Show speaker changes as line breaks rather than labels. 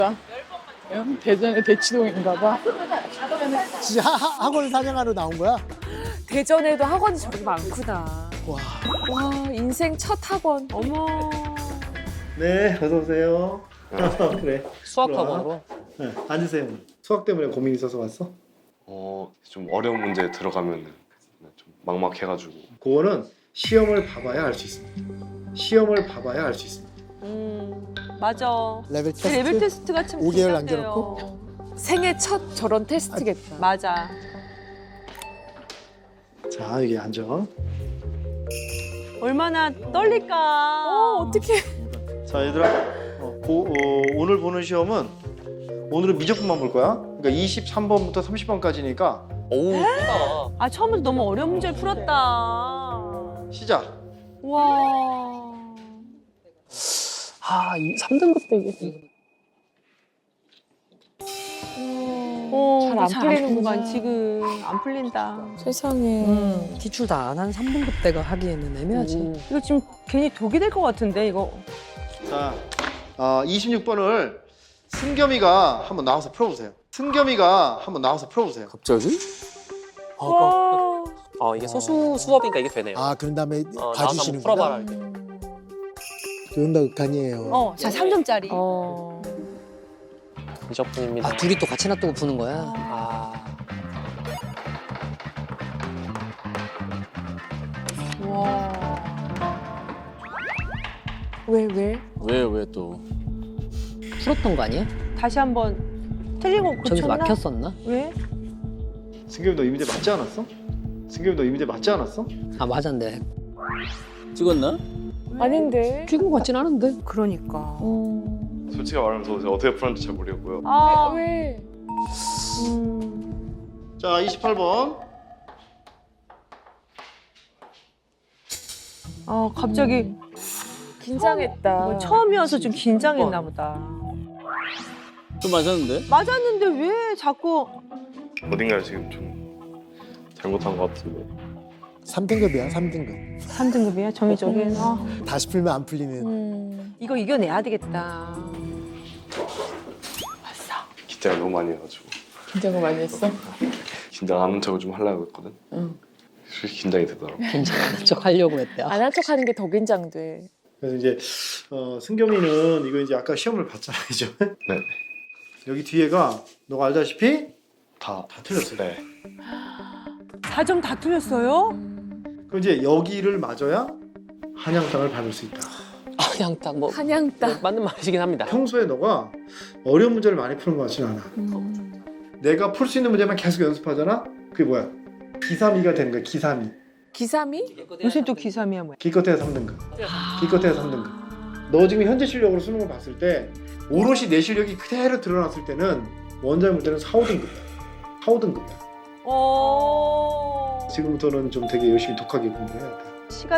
대전의 대치동인가 봐.
진짜 학원 사냥하러 나온 거야?
대전에도 학원이 저렇게 많구나.
와.
와, 인생 첫 학원. 어머.
네, 어서 오세요. 그래.
수학학원으로?
네, 앉으세요. 수학 때문에 고민 있어서 왔어?
좀 어려운 문제 들어가면 좀 막막해가지고.
그거는 시험을 봐봐야 알 수 있습니다. 시험을 봐봐야 알 수 있습니다.
맞아.
레벨 테스트?
레벨 테스트가 참
5개월
긴장돼요.
생애 첫 저런 테스트겠다.
맞아.
자, 여기 앉아.
얼마나 떨릴까.
어떡해.
자, 얘들아. 오늘 보는 시험은 오늘은 미적분만 볼 거야. 그러니까 23번부터 30번까지니까
오, 크다.
아, 처음부터 너무 어려운 문제를 풀었다.
시작.
와.
아, 3등급 때 이게. 잘안
잘안
풀리는구나.
풀리는구나. 지금 안 풀린다.
세상에.
기출 다 안 한 3등급 대가 하기에는 애매하지.
이거 지금 괜히 독이 될 것 같은데 이거.
자, 26번을 승겸이가 한번 나와서 풀어보세요. 승겸이가 한번 나와서 풀어보세요.
갑자기?
와.
이게 소수 수업이니까 이게 되네요.
아, 그런 다음에
나와서 한번
봐주시는구나.
풀어봐라 이렇게.
그런다 극한이에요.
자, 3점짜리.
미적분입니다.
아, 둘이 또 같이 놔두고 푸는 거야?
아,
와.
왜?
왜 또?
풀었던 거 아니야?
다시 한번 틀린 거
저기서
고쳤나?
막혔었나?
왜?
승겸이 너 이 문제 맞지 않았어? 승겸이 너 이 문제 맞지 않았어?
아, 맞았네.
찍었나?
아닌데.
찍은 거 같진 않은데.
그러니까.
솔직히 말하면 저 어떻게 풀었는지 잘 모르겠고요.
아.
왜?
자, 28번.
갑자기
긴장했다.
처음이어서 좀 긴장했나 보다.
좀 맞았는데?
맞았는데 왜 자꾸
어딘가를 지금 좀 잘못한 것 같은데.
3등급이야, 3등급.
3등급이야? 정의적인.
다시 풀면 안 풀리는.
이거 이겨내야 되겠다.
긴장을 너무 많이 해가지고.
긴장을 많이 했어?
긴장 안 하는 척을 좀 하려고 했거든. 솔직히 긴장이 되더라고.
괜찮은 척 하려고 했대.
안 한 척하는 게 더 긴장돼.
그래서 이제 승겸이는 이거 이제 아까 시험을 봤잖아, 그죠?
네.
여기 뒤에가 너가 알다시피
다
틀렸어요.
네.
4점 다 틀렸어요?
그럼 이제 여기를 맞아야 한양땅을 밟을 수 있다.
그냥 딱 뭐
한양따.
맞는 말이긴 합니다.
평소에 너가 어려운 문제를 많이 푸는 것 같지는 않아. 내가 풀 수 있는 문제만 계속 연습하잖아? 그게 뭐야? 기삼이가 되는 거야, 기삼이.
기삼이?
요새 또 기삼이야 뭐야?
기껏해야 3등급. 기껏해야 3등급. 너 지금 현재 실력으로 수능을 봤을 때 오롯이 내 실력이 그대로 드러났을 때는 원자의 문제는 4, 5등급이야. 4, 5등급이야.
오.
지금부터는 좀 되게 열심히 독하게 공부해야 돼.
시간